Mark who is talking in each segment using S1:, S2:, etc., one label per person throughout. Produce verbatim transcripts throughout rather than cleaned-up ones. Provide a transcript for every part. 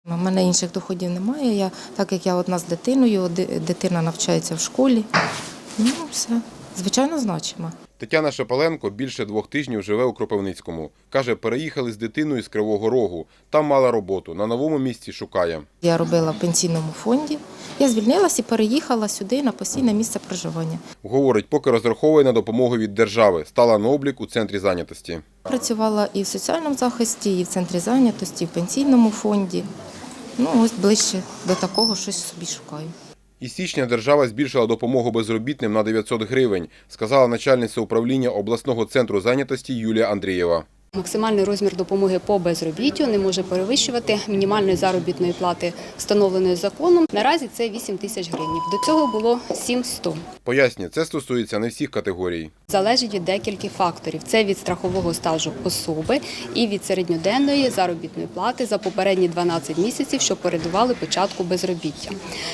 S1: У мене інших доходів немає, я, так як я одна з дитиною, дитина навчається в школі, ну все, звичайно значимо.
S2: Тетяна Шепеленко більше двох тижнів живе у Кропивницькому. Каже, переїхали з дитиною з Кривого Рогу. Там мала роботу, на новому місці шукає.
S1: Я робила в пенсійному фонді, я звільнилася і переїхала сюди на постійне місце проживання.
S2: Говорить, поки розраховує на допомогу від держави, стала на облік у центрі зайнятості.
S1: Працювала і в соціальному захисті, і в центрі зайнятості, і в пенсійному фонді. Ну, ось ближче до такого щось собі шукаю.
S2: Із січня держава збільшила допомогу безробітним на дев'ятсот гривень, сказала начальниця управління обласного центру зайнятості Юлія Андрієва.
S3: Максимальний розмір допомоги по безробіттю не може перевищувати мінімальної заробітної плати, встановленої законом. Наразі це вісім тисяч гривень. До цього було сім сто.
S2: Пояснює, це стосується не всіх категорій.
S3: Залежить від декількох факторів. Це від страхового стажу особи і від середньоденної заробітної плати за попередні дванадцять місяців, що передували початку безробіття.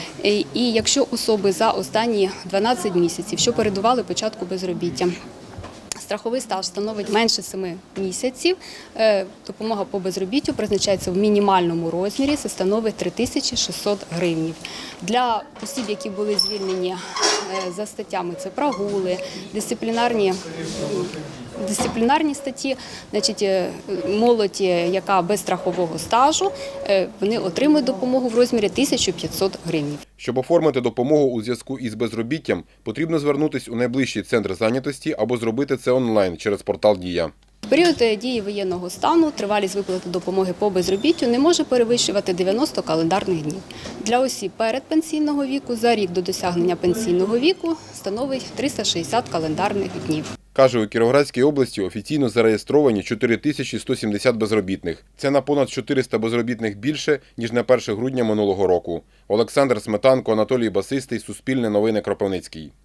S3: І якщо особи за останні дванадцять місяців, що передували початку безробіття, страховий стаж становить менше семи місяців, допомога по безробіттю призначається в мінімальному розмірі, це становить три тисячі шістсот гривень. Для осіб, які були звільнені за статтями, це прогули, дисциплінарні, дисциплінарні статті, значить, молодь, яка без страхового стажу, вони отримують допомогу в розмірі тисяча п'ятсот гривень.
S2: Щоб оформити допомогу у зв'язку із безробіттям, потрібно звернутися у найближчий центр зайнятості або зробити це онлайн через портал «Дія».
S3: В період дії воєнного стану тривалість виплати допомоги по безробіттю не може перевищувати дев'яносто календарних днів. Для осіб передпенсійного віку за рік до досягнення пенсійного віку становить триста шістдесят календарних днів.
S2: Каже, у Кіровоградській області офіційно зареєстровані чотири тисячі сто сімдесят безробітних. Це на понад чотириста безробітних більше, ніж на перше грудня минулого року. Олександр Сметанко, Анатолій Басистий, Суспільне новини, Кропивницький.